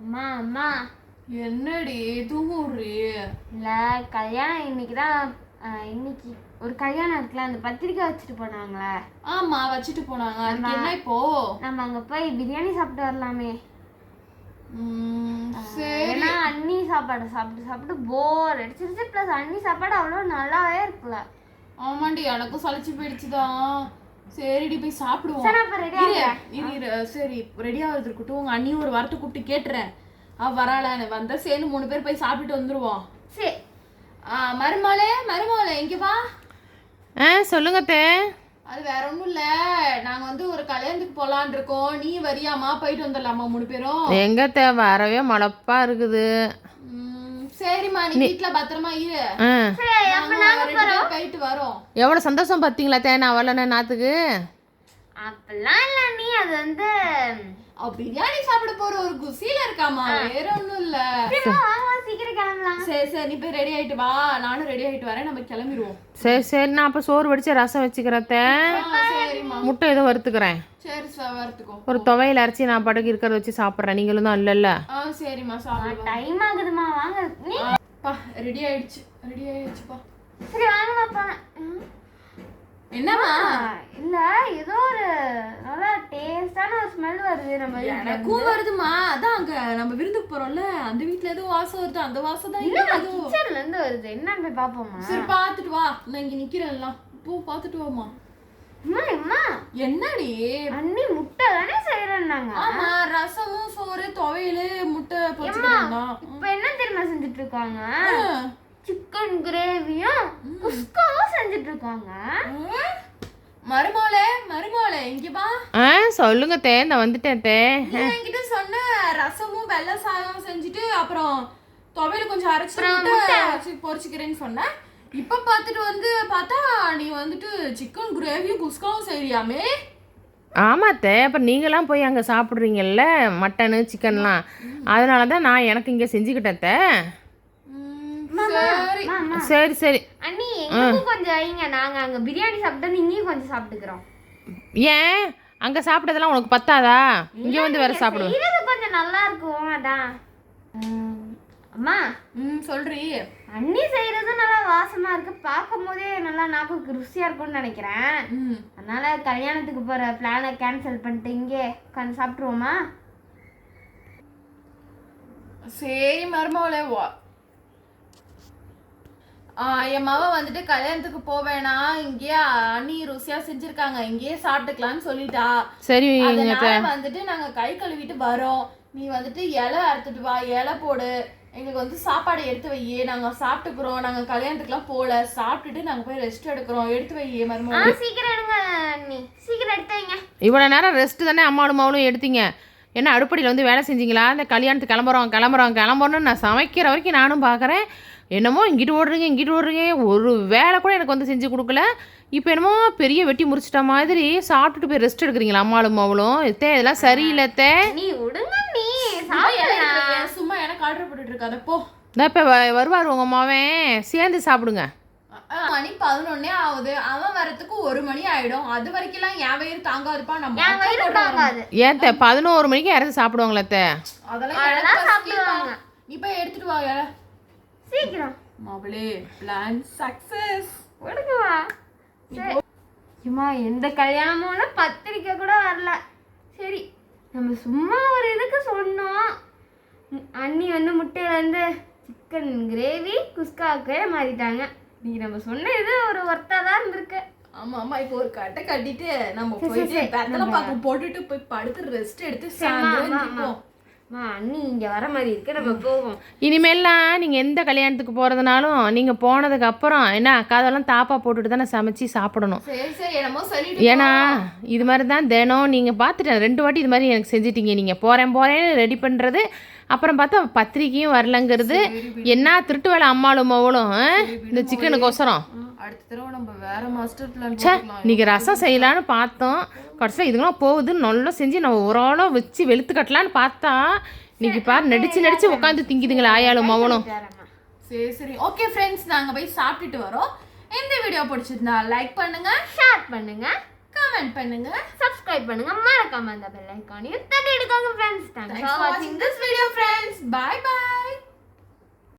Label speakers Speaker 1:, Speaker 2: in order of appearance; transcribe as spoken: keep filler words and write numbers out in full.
Speaker 1: அம்மா அம்மா
Speaker 2: என்னடி தூங்குறீ?
Speaker 1: இல்ல கல்யாணம் இன்னைக்கு தான். இன்னைக்கு ஒரு கல்யாணம் இருக்குல்ல, அந்த பத்திரிக்கை வச்சுட்டு போனாங்களே.
Speaker 2: ஆமா வச்சுட்டு போனாங்க. அதுக்கு என்ன இப்போ?
Speaker 1: நம்ம அங்க போய் பிரியாணி சாப்பிட்டு வரலாமே. ஏன்னா அண்ணி சாப்பாடு சாப்பிட்டு சாப்பிட்டு போர் அடிச்சிருச்சு. பிளஸ் அண்ணி சாப்பாடு அவ்வளோ நல்லாவே இருக்குல்ல.
Speaker 2: ஆமாண்டி எனக்கும் சளிச்சு போயிடுச்சுதான். சரிடி போய் சாப்பிடுவோம். சரி ரெடி ஆகுது இருக்கட்டும். உங்க அண்ணி ஒரு வாரத்தை கூப்பிட்டு கேட்டுறேன். அவ வராளன்னு வந்தா சேர்ந்து மூணு பேர் போய் சாப்பிட்டு வந்துருவோம்.
Speaker 1: சரி.
Speaker 2: ஆ மருமகளே மருமகளே இங்க வா.
Speaker 3: ஆ சொல்லுங்க தே.
Speaker 2: அது வேற ஒன்றும் இல்லை, நாங்கள் வந்து ஒரு கல்யாணத்துக்கு போகலான் இருக்கோம். நீ வரியாமா? போயிட்டு வந்துடலாமா மூணு பேரும்?
Speaker 3: எங்க தே வரவே மழப்பா இருக்குது.
Speaker 2: சரிம்மா நீ வீட்டுல பத்திரமா இரு. போயிட்டு வரோம்.
Speaker 3: எவ்வளவு சந்தோஷம் பாத்தீங்களா தே நான் வரலன்னு நாத்துக்கு.
Speaker 1: அப்பெல்லாம் இல்ல நீ அது வந்து
Speaker 2: பிரியாணி சாப்பிட போற ஒரு குசியில இருக்காமா, வேற ஒண்ணும் இல்ல.
Speaker 1: சீக்கிரம் கிளம்பலாம்.
Speaker 2: சரி சரி நீ போய் ரெடி ஆயிட்டு வா, நானும் ரெடி ஆயிட்டு வரேன், நம்ம கிளம்பிடுவோம்.
Speaker 3: சரி சரி நான் அப்ப சோறு வடிச்சு ரசம் வச்சுக்கிறேன். முட்டை ஏதோ வறுத்துக்கிறேன்.
Speaker 2: சரி சார் வறுத்துக்கோ. ஒரு
Speaker 3: துவையில அரைச்சி நான் படகு இருக்கிறத வச்சு சாப்பிட்றேன். நீங்களும் தான் இல்ல இல்ல.
Speaker 2: ஆ சரிம்மா சாப்பிடு.
Speaker 1: டைம் ஆகுதுமா வாங்க. நீ
Speaker 2: பா ரெடி ஆயிடுச்சு ரெடி ஆயிடுச்சுப்பா.
Speaker 1: சரி வாங்கம்மா போங்க.
Speaker 2: என்னம்மா?
Speaker 1: இல்ல ஏதோ ஒரு நல்ல டேஸ்டான ஒரு ஸ்மெல் வருது. நம்ம
Speaker 2: எனக்கும் வருதுமா. அதான் அங்க நம்ம விருந்துக்கு போறோம்ல, அந்த வீட்ல ஏதோ வாசம் வருது. அந்த வாசம் தான் இங்க
Speaker 1: கிச்சன்ல இருந்து வருது. என்னன்னு போய் பாப்போமா?
Speaker 2: சரி பாத்துட்டு வா, நான் இங்க நிக்கிறேன்ல. போ பாத்துட்டு வாமா.
Speaker 1: அம்மா அம்மா
Speaker 2: என்னடி?
Speaker 1: அண்ணி முட்டை தானே செய்யறேன்னாங்க.
Speaker 2: ஆமா ரசமும் சோறு துவையல் முட்டை பொரிச்சுக்கறாங்க.
Speaker 1: இப்போ என்ன தெரியுமா செஞ்சுட்டு இருக்காங்க? சிக்கன் கிரேவியும் குஸ்காவும் செஞ்சுட்டு இருக்காங்க.
Speaker 2: மருமகளே மருமகளே இங்க வா.
Speaker 3: ஆ சொல்லுங்க தே நான் வந்துட்டேன் தே.
Speaker 2: நீ என்கிட்ட சொன்ன ரசமும் வெள்ளை சாதம் செஞ்சுட்டு அப்புறம் துவையல் கொஞ்சம் அரைச்சு பொரிச்சுக்கிறேன்னு சொன்ன. இப்ப பாத்துட்டு வந்து பார்த்தா நீ வந்துட்டு சிக்கன் கிரேவியும் குஸ்காவும் செய்யறியாமே.
Speaker 3: ஆமாத்தே அப்புறம் நீங்களாம் போய் அங்கே சாப்பிட்றீங்கல்ல மட்டனு சிக்கன்லாம், அதனால தான் நான் எனக்கு இங்கே செஞ்சுக்கிட்டேன் தே. சரி சரி
Speaker 1: அண்ணி எங்களுக்கும் கொஞ்சம் வைங்க, நாங்க அங்க பிரியாணி சாப்பிட்டோம், நீங்களும் கொஞ்சம் சாப்பிட்டுக்கிறோம்.
Speaker 3: ஏன் அங்கே சாப்பிட்டதெல்லாம் உனக்கு பத்தாதா? இங்கே வந்து வேற சாப்பிடுவோம்.
Speaker 1: இது கொஞ்சம் நல்லா இருக்கும். அதான் அம்மா
Speaker 2: ம் சொல்றீ.
Speaker 1: அண்ணி செய்யறது நல்லா வாசமா இருக்கு, பார்க்கும் போதே நல்லா நாக்குக்கு ருசியா இருக்கும்னு நினைக்கிறேன். அதனால கல்யாணத்துக்கு போற பிளானை கேன்சல் பண்ணிட்டு இங்கே உட்காந்து சாப்பிட்டுருவோமா?
Speaker 2: சரி மருமகளே வா. என் மாவ வந்துட்டு கல்யாணத்துக்கு போவேனா, இங்கேயே அண்ணி ருசியா செஞ்சிருக்காங்க, இங்கேயே சாப்பிட்டுக்கலாம்னு சொல்லிட்டா.
Speaker 3: சரி
Speaker 2: வந்துட்டு நாங்க கை கழுவிட்டு வரோம். நீ வந்துட்டு இலை அறுத்துட்டு வா, இலை போடு, எங்களுக்கு வந்து சாப்பாடு எடுத்து வையே, நாங்க சாப்பிட்டுக்கிறோம். நாங்க கல்யாணத்துக்குலாம் போல, சாப்பிட்டுட்டு நாங்க போய் ரெஸ்ட் எடுக்கிறோம். எடுத்து வையே மருமகளே.
Speaker 1: சீக்கிரம் எடுங்க அண்ணி, சீக்கிரம் எடுத்து வைங்க.
Speaker 3: இவ்வளவு நேரம் ரெஸ்ட் தானே அம்மாவும் மாவளும் எடுத்தீங்க, என்ன அடுப்படியில் வந்து வேலை செஞ்சீங்களா? இந்த கல்யாணத்துக்கு கிளம்புறோம் கிளம்புறோம் கிளம்புறோன்னு நான் சமைக்கிற வரைக்கும் நானும் பார்க்குறேன். என்னமோ இங்கிட்டு ஓடுறீங்க இங்கிட்டு ஓடுறீங்க, ஒரு வேலை கூட எனக்கு வந்து செஞ்சு கொடுக்கல. இப்போ என்னமோ பெரிய வெட்டி முறிச்சிட்ட மாதிரி சாப்பிட்டுட்டு போய் ரெஸ்ட் எடுக்கிறீங்களா அம்மாளும் மாவளும்? தே இதெல்லாம் சரியில்லை தே.
Speaker 1: நீ விடுங்க நீ
Speaker 2: சும்மா எனக்கு ஆர்டர் போட்டுட்டு இருக்காத போ.
Speaker 3: இந்த இப்போ வருவார் உங்கள் அம்மாவன், சேர்ந்து சாப்பிடுங்க.
Speaker 2: மணி பதினொன்னே ஆகுது, அவன் வரத்துக்கு ஒரு மணி ஆயிடும். அது வரைக்கும் என் வயிறு தாங்காதுப்பா. நம்ம
Speaker 3: ஏன் தே பதினோரு மணிக்கு யாராவது சாப்பிடுவாங்களா தே?
Speaker 2: அதெல்லாம் நீ போய் எடுத்துட்டு வா
Speaker 1: சீக்கிரம்.
Speaker 2: மாவளே பிளான் சக்சஸ்.
Speaker 1: எடுக்குவா. சும்மா எந்த கல்யாணமும் பத்திரிக்கை கூட வரல. சரி நம்ம சும்மா ஒரு இதுக்கு சொன்னோம். அண்ணி வந்து முட்டையிலேருந்து சிக்கன் கிரேவி குஸ்காவுக்கே மாறிட்டாங்க. நீ நம்ம சொன்ன இது ஒரு ஒர்த்தா தான் இருந்திருக்கு.
Speaker 2: ஆமா ஆமா இப்போ ஒரு கட்டை கட்டிட்டு நம்ம போயிட்டு வெத்தலை பாக்கு போட்டுட்டு போய் படுத்து ரெஸ்ட் எடுத்து சாயந்தரம்
Speaker 1: அண்ணி இங்க வர மாதிரி இருக்கு, நம்ம போவோம்.
Speaker 3: இனிமேல்லாம் நீங்க எந்த கல்யாணத்துக்கு போறதுனாலும் நீங்க போனதுக்கு அப்புறம் என்ன காதெல்லாம் தாப்பா போட்டுட்டு தானே சமைச்சு சாப்பிடணும். ஏன்னா இது மாதிரி தான் தினம் நீங்க பார்த்துட்டேன் ரெண்டு வாட்டி இது மாதிரி எனக்கு செஞ்சிட்டீங்க. நீங்க போறேன் போறேன்னு ரெடி பண்றது, அப்புறம் பார்த்தா பத்திரிக்கையும் வரலங்கிறது. என்ன திருட்டு வேலை அம்மாளும் மவளும் இந்த சிக்கனுக்கோசரம்.
Speaker 2: அடுத்த தடவை நம்ம வேற மாஸ்டர் பிளான்
Speaker 3: சே இன்னைக்கு ரசம் செய்யலான்னு பார்த்தோம், கடைசியில் இதுங்களாம் போகுதுன்னு நல்லா செஞ்சு நம்ம ஒரு ஆளாக வச்சு வெளுத்து கட்டலான்னு பார்த்தா இன்னைக்கு பாரு நடிச்சு நடிச்சு உட்காந்து திங்கிதுங்களா ஆயாலும் மவனும்.
Speaker 2: சரி சரி ஓகே ஃப்ரெண்ட்ஸ், நாங்கள் போய் சாப்பிட்டுட்டு வரோம். இந்த வீடியோ பிடிச்சிருந்தா லைக் பண்ணுங்க,
Speaker 1: ஷேர் பண்ணுங்க,
Speaker 2: கமெண்ட் பண்ணுங்க,
Speaker 1: சப்ஸ்கிரைப் பண்ணுங்க, மறக்காம அந்த பெல் ஐகானையும் தட்டி எடுக்காங்க ஃப்ரெண்ட்ஸ். தேங்க்ஸ் ஃபார் வாட்சிங் திஸ் வீடியோ.